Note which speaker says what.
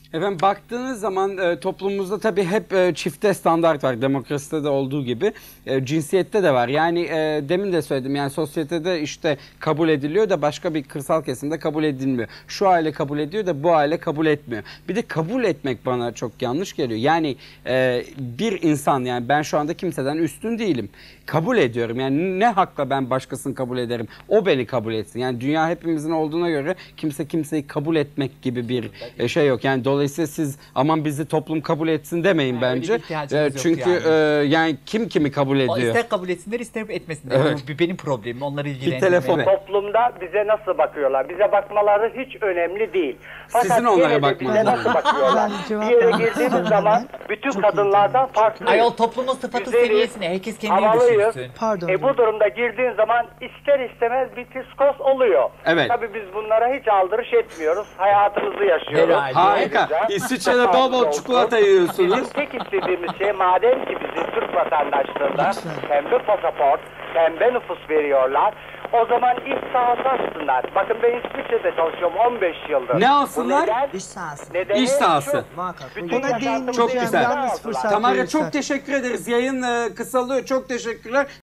Speaker 1: Efendim baktığınız zaman toplumumuzda tabii hep çifte standart var. Demokraside de olduğu gibi cinsiyette de var. Yani demin de söyledim, yani sosyetede işte kabul ediliyor da başka bir kırsal kesimde kabul edilmiyor. Şu aile kabul ediyor da bu aile kabul etmiyor. Bir de kabul etmek bana çok yanlış geliyor. Yani bir insan, yani ben şu anda kimseden üstün değilim. Kabul ediyorum. Yani ne hakla ben başkasını kabul ederim? O beni kabul etsin. Yani dünya hepimizin olduğuna göre kimse kimseyi kabul etmek gibi bir şey yok. Yani dolayısıyla siz aman bizi toplum kabul etsin demeyin bence. Çünkü yani kim kimi kabul ediyor?
Speaker 2: İster kabul etsinler ister etmesinler.
Speaker 1: Evet.
Speaker 2: Bu benim problemim. Onları
Speaker 1: Bir telefon.
Speaker 3: Toplumda bize nasıl bakıyorlar? Bize bakmaları hiç önemli değil. Fakat
Speaker 1: Sizin onlara
Speaker 3: yine de
Speaker 1: bakmanız
Speaker 3: bize nasıl bakıyorlar? Bir yere girdiğimiz zaman bütün kadınlardan farklıyız.
Speaker 2: Ayol toplumun sıfatı
Speaker 3: Güzeliz,
Speaker 2: seviyesine. Herkes kendini
Speaker 3: havalıyız.
Speaker 2: düşünsün.
Speaker 4: Pardon.
Speaker 3: Bu durumda girdiğin zaman ister istemez bir psikos oluyor.
Speaker 1: Evet.
Speaker 3: Tabii biz bunlara hiç aldırış etmiyoruz. Hayatımızı yaşıyoruz.
Speaker 2: Herhalde.
Speaker 1: Harika.
Speaker 3: Ayrıca-
Speaker 1: İsviçre'de bol bol çikolata yiyorsunuz.
Speaker 3: Bizim tek istediğimiz şey, madem ki bizim Türk vatandaşlığında
Speaker 4: Lütfen.
Speaker 3: pembe pasaport, pembe nüfus veriyorlar. O zaman iş sahası açsınlar. Bakın ben İsviçre'de çalışıyorum 15 yıldır.
Speaker 1: Ne alsınlar?
Speaker 3: Bu neden?
Speaker 4: İş sahası.
Speaker 3: Nedeni
Speaker 1: İş sahası.
Speaker 3: şu,
Speaker 4: Muhakkak.
Speaker 3: bütün
Speaker 4: Buna
Speaker 3: yaşantımızı
Speaker 4: değineceğim.
Speaker 1: Çok güzel.
Speaker 4: Yalnız fırsat
Speaker 1: Tamara
Speaker 4: verirsen.
Speaker 1: çok teşekkür ederiz. Yayın kısalıyor. Çok teşekkürler.